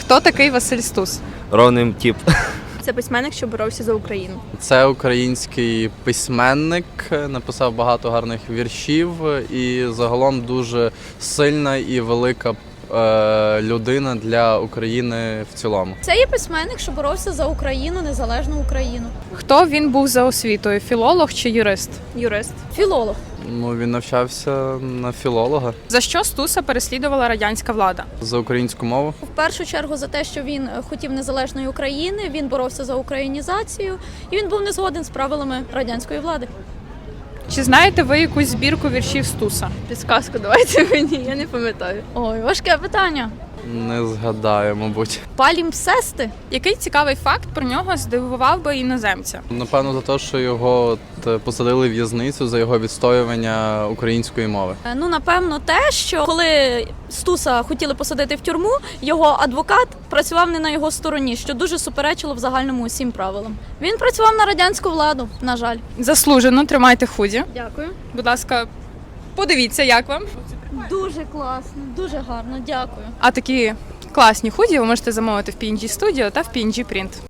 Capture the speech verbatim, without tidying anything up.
Хто такий Василь Стус? Ровним тип. Це письменник, що боровся за Україну. Це український письменник, написав багато гарних віршів і загалом дуже сильна і велика е, людина для України в цілому. Це є письменник, що боровся за Україну, незалежну Україну. Хто він був за освітою? Філолог чи юрист? Юрист. Філолог. Ну, він навчався на філолога За що Стуса переслідувала радянська влада? за українську мову. В першу чергу за те, що він хотів незалежної України, він боровся за українізацію, і він був не згоден з правилами радянської влади. Чи знаєте ви якусь збірку віршів Стуса? Підсказку давайте мені, я не пам'ятаю. Ой, важке питання. Не згадаю, мабуть. Палімпсести? Який цікавий факт про нього здивував би іноземця? Напевно, за те, що його от посадили в в'язницю за його відстоювання української мови. Е, Ну, напевно, те, що коли Стуса хотіли посадити в тюрму, його адвокат працював не на його стороні, що дуже суперечило в загальному усім правилам. Він працював на радянську владу, на жаль. Заслужено, тримайте худі. Дякую. Будь ласка, подивіться, як вам. Дуже класно, дуже гарно, дякую. А такі класні худі ви можете замовити в пі ен джі Studio та в пі ен джі Print.